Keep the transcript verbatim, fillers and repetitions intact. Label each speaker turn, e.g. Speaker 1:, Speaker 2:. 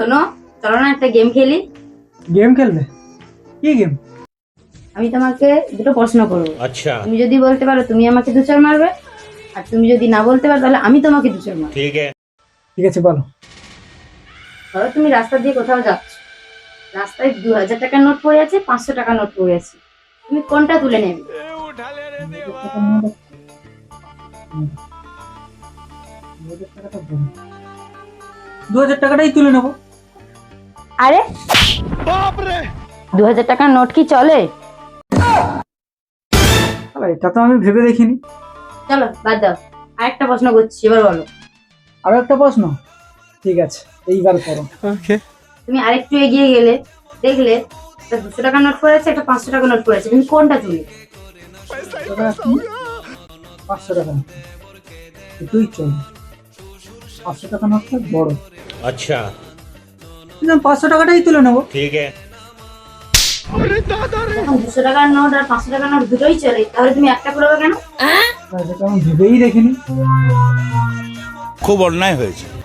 Speaker 1: শোনো, চলো না একটা গেম খেলি।
Speaker 2: গেম খেলবে? কি গেম?
Speaker 1: আমি তোমাকে দুটো প্রশ্ন করবো।
Speaker 3: अच्छा
Speaker 1: তুমি যদি বলতে পারো তুমি আমাকে দু চার মারবে, আর তুমি যদি না বলতে পারো তাহলে আমি তোমাকে দু চার মারবো।
Speaker 3: ठीक है।
Speaker 2: ঠিক আছে, বলো।
Speaker 1: ধরো তুমি রাস্তা দিয়ে কোথাও যাচ্ছ, রাস্তায় দু হাজার টাকার নোট পড়ে আছে, পাঁচশো টাকার নোট পড়ে আছে, তুমি কোনটা তুলে নেবে?
Speaker 2: দু হাজার টাকাটাই তুলে নেবো।
Speaker 1: আরে দু হাজার টাকার নোট কি চলে?
Speaker 2: আরে, এটা তো আমি ভেবে দেখিনি।
Speaker 1: চলো বাদ দাও, আরেকটা প্রশ্ন করছি, এবার বলো।
Speaker 2: আরো একটা প্রশ্ন? ঠিক আছে, এইবার করো।
Speaker 1: তুমি আরেকটু এগিয়ে গেলে, দেখলে একটা দুশো টাকার নোট পড়ে আছে, একটা পাঁচশো টাকার নোট পড়ে আছে, তুমি কোনটা তুলে?
Speaker 2: পাঁচশো টাকা নোট। দুটোই চল। পাঁচশো টাকা নোটটা বড়।
Speaker 3: अच्छा
Speaker 2: কিন্তু আমি পাঁচশো টাকাটাই তুলে নেবো।
Speaker 3: ठीक है।
Speaker 1: এখন দুশো টাকার নোট আর পাঁচশো টাকার নোট দুটোই চলে, তাহলে তুমি একটা করবে কেন?
Speaker 2: আর যেটা আমি ভেবেই দেখিনি।
Speaker 4: খুব অন্যায় হয়েছে।